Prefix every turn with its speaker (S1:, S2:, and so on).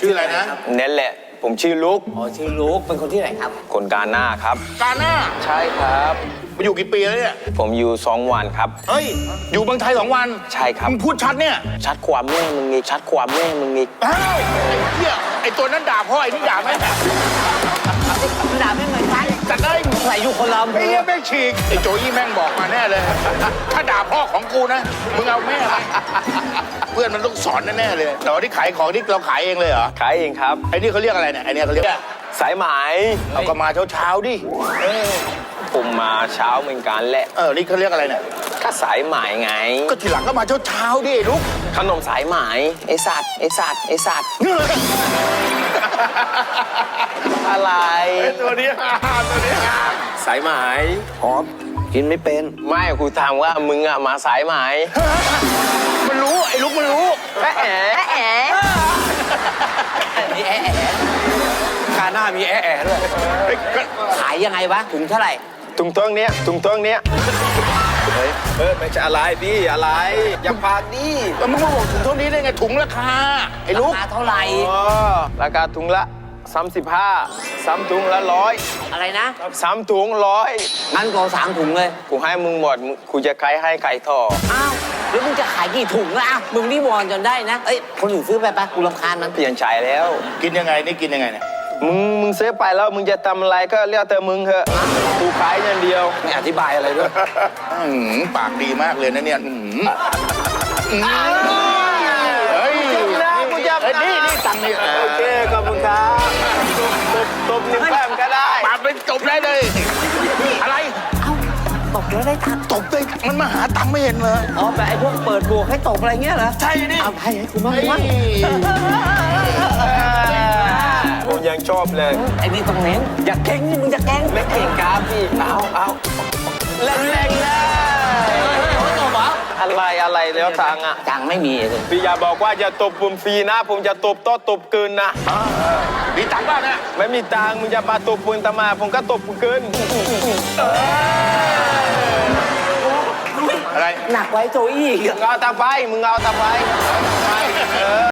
S1: ชื่ออะไรนะ
S2: นั่นแหละผมชื่อลุก
S3: อ๋อชื่อลูกเป็นคนที่ไหนครับ
S2: คนกาหน้าครับ
S1: กาหน้า
S2: ใช่ครับ
S1: มาอยู่กี่ปีแล้วเนี่ย
S2: ผมอยู่2 วันครับ
S1: เฮ้ยอยู่เมืองไทย2 วัน
S2: ใช่ครับ
S1: มึงพูดชัดเนี่ย
S2: ชัดความแม่มึงอีกชัดความแม่มึงอีก
S1: อ้าวไอ้เหี้ยไอ้ตัวนั้นด่าพ่อไอ้นี่ด่าแม่
S3: ด่าไม่เหมือนกัน
S1: จัดได้
S3: ใส่อยู่คนละ
S1: ไอ้เหี้ยแม่งฉีกไอ้โจยี่แม่งบอกมาแน่เลยถ้าด่าพ่อของกูนะมึงเอาแม่ไปเพื่อนมันต้องสอนแน่ๆเลยแต่ว่าที่ขายของที่เราขายเองเลยเหรอ
S2: ขายเองครับ
S1: ไอ้นี่เขาเรียกอะไรเนี่ยไอ้นี่เขาเรียก
S2: สายไหม
S1: เอาก็มาเช้าดิ
S2: ผมมาเช้าเหมือนกันแหละ
S1: นี่เขาเรียกอะไรเนี่ย
S2: ก็สายไหมไง
S1: ก็ทีหลังก็มาเช้าดิลูก
S2: ขนมสายไหมไอสัตว์ไอสัตว์ไอสัตว์อะไร
S1: ตัวนี้
S2: สายไหม
S3: หอมกินไม่เป็น
S2: ไม่ครูถามว่ามึงอะมาสายไหม
S1: มันรู้ไอ้ลูกมันรู้
S2: แอะแอะแอะ
S3: มีแอะแอะ
S2: กาหน้ามีแอะแอะด้วย
S3: ขายยังไงวะถุงเท่าไหร่
S2: ถุงต้งเนี้ยไม่ใช่อะไรพี่อะไรอย่าพากดิ
S1: มึงมาบอกถุงเท่านี้ได้ไงถุงราคาไอ้ลูก
S3: ราคาเท่าไหร่
S2: ราคาถุงละ35 3 ถุงละ100
S3: อะไรนะ
S2: 3 ถุง100
S3: งั้นก็3 ถุงเลย
S2: กูให้มึงหมดกูจะขายให้ไก่ทอ
S3: อ้าวแล้วมึงจะขายกี่ถุงล่ะมึงนี่วอนจนได้นะเอ้ยคนอื่นซื้อไปปะกูรำคาญมัน
S2: เปลี่ยนใจแล้ว
S1: กินยังไงนี่กินยังไงเนี่ย
S2: มึงซื้อไปแล้วมึงจะทำอะไรก็เรียกแต่มึงเถอะกูขายอย่างเดียว
S3: ไม่อธิบายอะไรด้วย
S1: ปากดีมากเลยนะเนี่ยเฮ้ย
S2: กูจับนะ
S1: นี่ตังค์นี่
S2: โอเคขอบคุณครับตบ1 แป๊บก็ได้
S1: ปากเป็นจบได้เลยอะไร
S3: เอ้าตบแล้วได้ตังค์
S1: ตบได้มันมาหาตังค์ไม่เห็นเลย
S3: อ๋อแบบไอ้พวกเปิดบวกให้ตบอะไรเงี้ยเหรอ
S1: ใช่นี่
S3: เอาให้กูมั่ง
S2: ผมยังชอบเลย
S3: ไอ้นี่ต้องเน้นอย่าเก่งนี่มึงจะเก่ง
S2: ไม่เก่งครับพี่เอาแรงๆนะอะไรแล้วทางอ่ะ
S3: จังไม่มีเลย
S2: พี่อย่าบอกว่าจะตบผมฟรีนะผมจะตบโต๊ะตบเกินนะ
S1: มีตังค์บ้างนะ
S2: ไม่มีตังค์มึงจะมาตบปืนตมาผมก็ตบเกิน
S1: อะไร
S3: หนักไว้โจอี้
S2: มึงเอาตาไฟ